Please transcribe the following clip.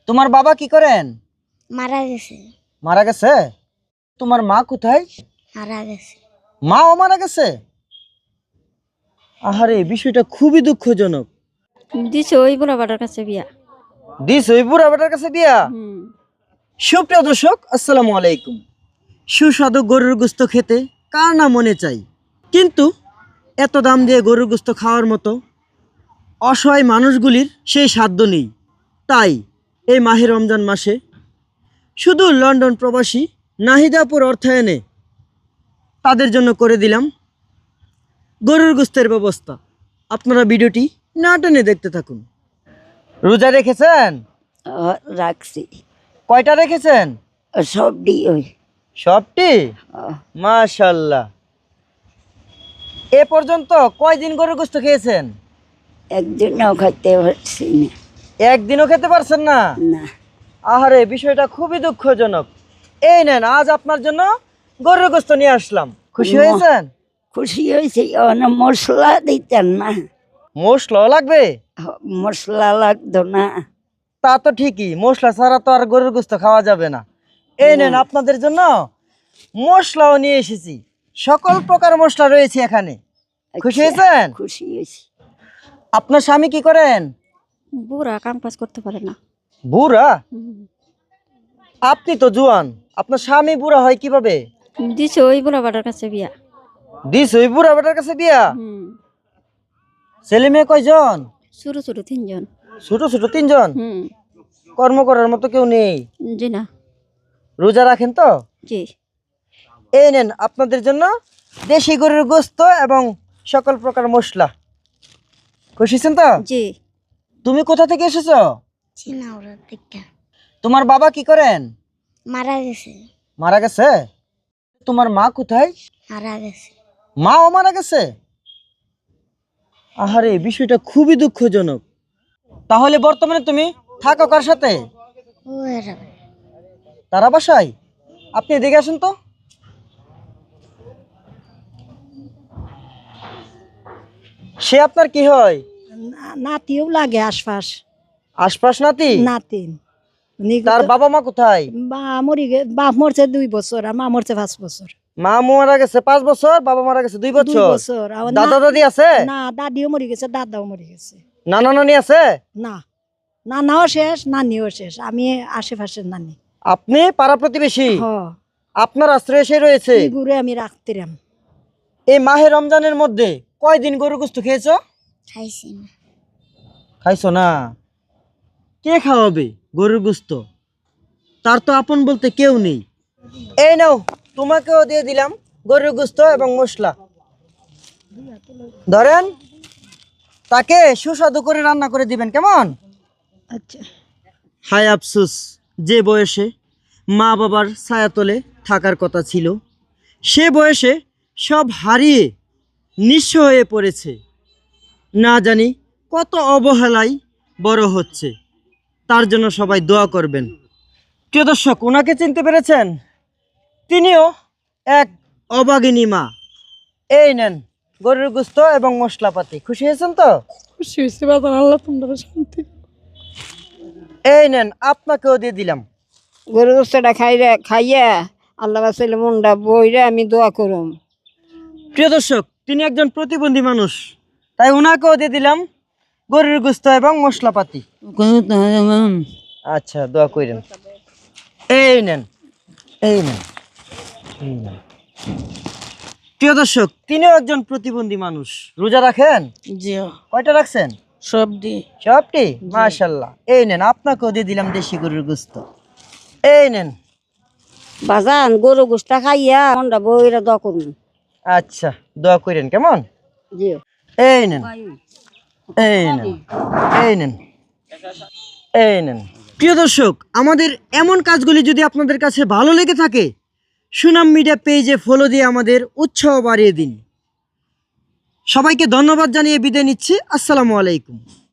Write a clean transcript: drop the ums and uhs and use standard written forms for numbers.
তোমার বাবা কি করেন? মারা গেছে। মারা গেছে? তোমার মা কোথায়? মারা গেছে। মাও মারা গেছে? আহারে, বিষয়টা খুবই দুঃখজনক। দিছে ওই বুড়া বাটার কাছে বিয়া। দিস ওই বুড়া বেটার কাছে বিয়া? সুপ্রিয় দর্শক, আসসালামু আলাইকুম। সুস্বাদু গরুর গোস্ত খেতে কার না মনে চাই, কিন্তু এত দাম দিয়ে গরুর গোস্ত খাওয়ার মতো অসহায় মানুষগুলির সেই সাধ্য নেই। তাই এই মাহে রমজান মাসে শুধু লন্ডন প্রবাসী নাহিদাপুর অর্থায়নে তাদের জন্য করে দিলাম গরুর গোস্তের ব্যবস্থা। আপনারা ভিডিওটি না টেনে দেখতে থাকুন। রোজা রেখেছেন? রাখছি কয়টা রেখেছেন? সব ডি ওই সবটি? মাশাল্লাহ। এ পর্যন্ত কয়দিন গরুর গোস্ত খেয়েছেন? একদিনও খাইতে পারছি না। একদিনও খেতে পারছেন না? না আহারে, বিষয়টা খুবই দুঃখজনক। এই নেন, আজ আপনার জন্য গরুর গোস্ত নিয়ে আসলাম। খুশি হয়েছেন? খুশি হয়েছে। অনেক মশলা দিতেন না। মশলাও লাগবে? মশলা লাগতো না। তা তো ঠিকই, মশলা ছাড়া তো আর গরুর গোস্ত খাওয়া যাবে না। এই নেন, আপনাদের জন্য মশলাও নিয়ে এসেছি। সকল প্রকার মশলা রয়েছে এখানে। খুশি হয়েছেন? খুশি হয়েছি। আপনার স্বামী কি করেন? বুড়া কাম কাজ করতে পারে না। বুড়া? আপনি তো জুয়ান, আপনার স্বামী বুড়া হয় কিভাবে? দিছে ওই বুড়া বাটার কাছে বিয়া। দিস ওই বুড়া বেটার কাছে বিয়া? ছেলে মেয়ে কয়জন? ছোট ছোট 3 জন। ছোট ছোট 3 জন? কর্ম করার মতো কেউ নেই? জি না। রোজা রাখেন তো? জি। এই নেন, আপনাদের জন্য দেশি গরুর গোস্ত এবং সকল প্রকার মশলা। খুশি হয়েছেন তো? জি। তুমি কোথা থেকে এসেছো? চিনাওড়া থেকে। তোমার বাবা কি করেন? মারা গেছে। মারা গেছে? তোমার মা কোথায়? মারা গেছে। মাও মারা গেছে? আহারে, বিষয়টা খুবই দুঃখজনক। তাহলে বর্তমানে তুমি থাকো কার সাথে? ও এরা তারা বাসায়? আপনি এদিকে আসুন তো। সে আপনার কি হয়? নাতিও লাগে আশপাশ। আশপাশ নাতি? নাতিন তার বাবা মা কোথায়? বাপ মরছে 2 বছর আর মা মরছে 5 বছর। মা মারা গেছে 5 বছর, বাবা মারা গেছে 2 2 বছর। বছর। আর দাদা দাদি আছে? না, দাদিও মরে গেছে, দাদাও মরে গেছে। নানা নানি আছে? না, নানাও শেষ, নানিও শেষ। আমি আশেপাশের নানি। আপনি পাড়া প্রতিবেশী? হ, আপনার আশ্রয় এসে রয়েছে। এই গুড়ে আমি রাখতেরাম। এই মাহে রমজানের মধ্যে কয়দিন গরু গোস্ত খেয়েছো? খাইছি না। খাইছো না? কে খাওয়াবে গরুর গোস্ত? তার তো আপন বলতে কেউ নেই। এই নাও, তোমাকেও দিয়ে দিলাম গরুর গোস্ত এবং মশলা। ধরেন, তাকে সুস্বাদু করে রান্না করে দিবেন, কেমন? আচ্ছা। হায় আফসোস, যে বয়সে মা বাবার ছায়াতলে থাকার কথা ছিল, সে বয়সে সব হারিয়ে নিঃস্ব হয়ে পড়েছে। না জানি কত অবহেলায় বড় হচ্ছে। তার জন্য সবাই দোয়া করবেন। প্রিয় দর্শক, ওনাকে চিনতে পেরেছেন? তিনিও এক অভাগিনী মা। এই নেন গরুর গোস্ত এবং মশলাপাতি। খুশি হয়েছেন তো? খুশি হয়েছে বাবা, আল্লাহ তোমরা শান্তি। এই নেন, আপনাকেও দিয়ে দিলাম। গরু গোস্তটা খাইয়া আল্লাহ বাসাইলে মনটা বইরে আমি দোয়া করুম। প্রিয় দর্শক, তিনি একজন প্রতিবন্ধী মানুষ, তাই ওনাকেও দিয়ে দিলাম গরুর গোস্ত এবং মশলাপাতি। আচ্ছা, দোয়া করেন। এই নেন, এই নেন, এই নেন। প্রিয় দর্শক, তিনিও একজন প্রতিবন্ধী মানুষ। রোজা রাখেন? জি। কয়টা রাখছেন? সব দি। সবটি? মাশাল্লাহ। এই নেন, আপনাকেও দিয়ে দিলাম দেশি গরুর গোস্ত। এই নেন। বাজান গরু গোস্তা খাইয়া মনটা বইরে দোয়া করুম। আচ্ছা, দোয়া করেন, কেমন? জি। এই নেন, এই নেন, এই নেন, এই নেন। প্রিয় দর্শক, আমাদের এমন কাজগুলি যদি আপনাদের কাছে ভালো লেগে থাকে, সুনাম মিডিয়া পেজে ফলো দিয়ে আমাদের উৎসাহ বাড়িয়ে দিন। সবাইকে ধন্যবাদ জানিয়ে বিদায় নিচ্ছি। আসসালামু আলাইকুম।